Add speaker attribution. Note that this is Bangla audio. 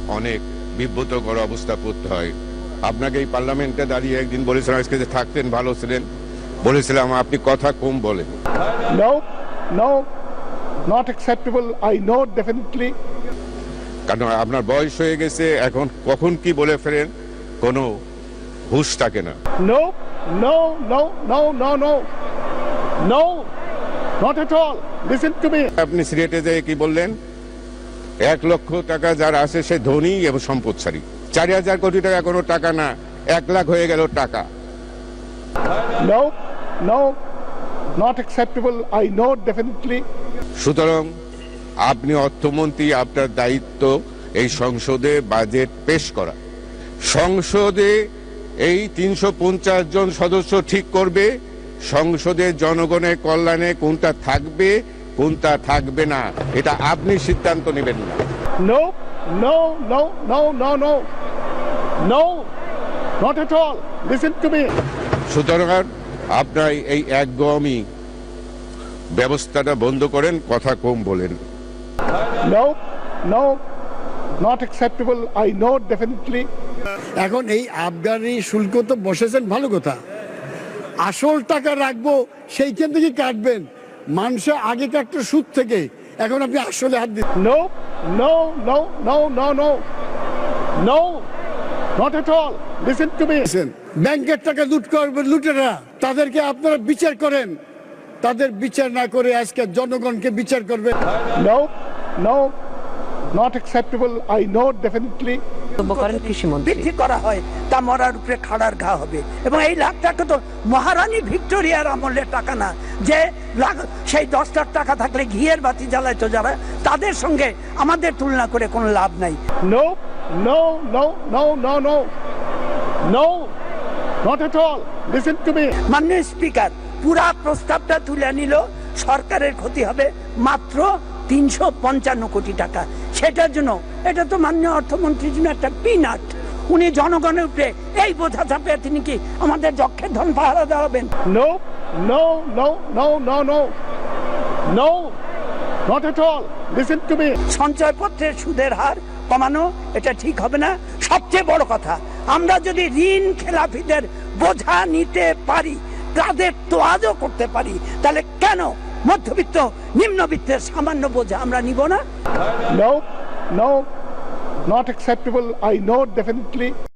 Speaker 1: অনেক বিব্রতকর অবস্থা পড়তে হয়। আপনাকে এই পার্লামেন্টে দাঁড়িয়ে একদিন বলেছিলাম আজকে যে থাকতেন ভালো ছিলেন, বলেছিলাম আপনি কথা কম বলেন।
Speaker 2: No, no, not acceptable. I know definitely.
Speaker 1: কারণ আপনার বয়স হয়ে গেছে, এখন কখন কি বলে ফেলেন কোনো হুঁশ থাকে না।
Speaker 2: No, no, no, no, no, no, no, not at all. Listen to me.
Speaker 1: আপনি সিলেটে যেয়ে কি বললেন, 1 লক্ষ টাকা যার আছে সে ধনী এবং সম্পদশালী। 4,000 কোটি টাকা কোনো টাকা না, 1 লাখ হয়ে গেল টাকা।
Speaker 2: No, no, not acceptable. I know definitely.
Speaker 1: সুতরাং আপনি অর্থমন্ত্রী, আপনার দায়িত্ব এই সংসদে বাজেট পেশ করা। সংসদে এই 350 জন সদস্য ঠিক করবে সংসদে জনগণের কল্যাণে কোনটা থাকবে কোনটা থাকবে না, এটা আপনি সিদ্ধান্ত নেবেন না।
Speaker 2: No, no, no, no, no, no, no, not at all. Listen to me.
Speaker 1: সুতরাং আপনার এই একগমি ব্যবস্থাটা বন্ধ করেন, কথা কম বলেন।
Speaker 2: No, no, not acceptable. I know definitely.
Speaker 3: এখন এই আবগারি শুল্ক তো বসেছেন ভালো কথা, আসল টাকা রাখবো সেইখান থেকে কাটবেন। মানুষে আগে কাটতো সুদ থেকে, এখন আপনি আসলে হাত দিন।
Speaker 2: No, no, no, no, no, no, no, not at all. Listen to me.
Speaker 3: ব্যাংকের টাকা লুট করবে লুটেরা, তাদেরকে আপনারা বিচার করেন। তাদের বিচার না করে আজকে জনগণকে বিচার করবে।
Speaker 2: No, no, not acceptable. I know definitely.
Speaker 4: বৃদ্ধি করা হয় তা মরার উপরে খাড়ার ঘা হবে। এবং এই লাখ টাকা তো মহারানী ভিক্টোরিয়ার আমলের টাকা না, যে সেই 10 লাখ টাকা থাকলে ঘিয়ের বাতি জ্বালাইতো যারা, তাদের সঙ্গে আমাদের তুলনা করে কোনো লাভ নাই।
Speaker 2: No, no, no, no, no, no, no, not at all. Listen to me.
Speaker 4: মাননীয় স্পিকার, পুরা প্রস্তাবটা তুলে নিল, সরকারের ক্ষতি হবে মাত্র 355 কোটি টাকা। সেটার জন্য এটা তো মাননীয় অর্থমন্ত্রীর জন্য একটা পিনাট। উনি জনগণের উপরে এই বোঝা চাপিয়ে তিনি কি আমাদের যক্ষের ধন পাহারা দেওয়াবেন?
Speaker 2: No, no, no, no, no, no, no, not at all. Listen to me.
Speaker 4: সঞ্চয়পত্রের সুদের হার কমানো এটা ঠিক হবে না। সবচেয়ে বড় কথা, আমরা যদি ঋণ খেলাপিদের বোঝা নিতে পারি, তাদের তোয়াজও করতে পারি, তাহলে কেন মধ্যবিত্ত নিম্নবিত্তের সামান্য বোঝা আমরা নিব না?
Speaker 2: No, no, not acceptable. I know definitely.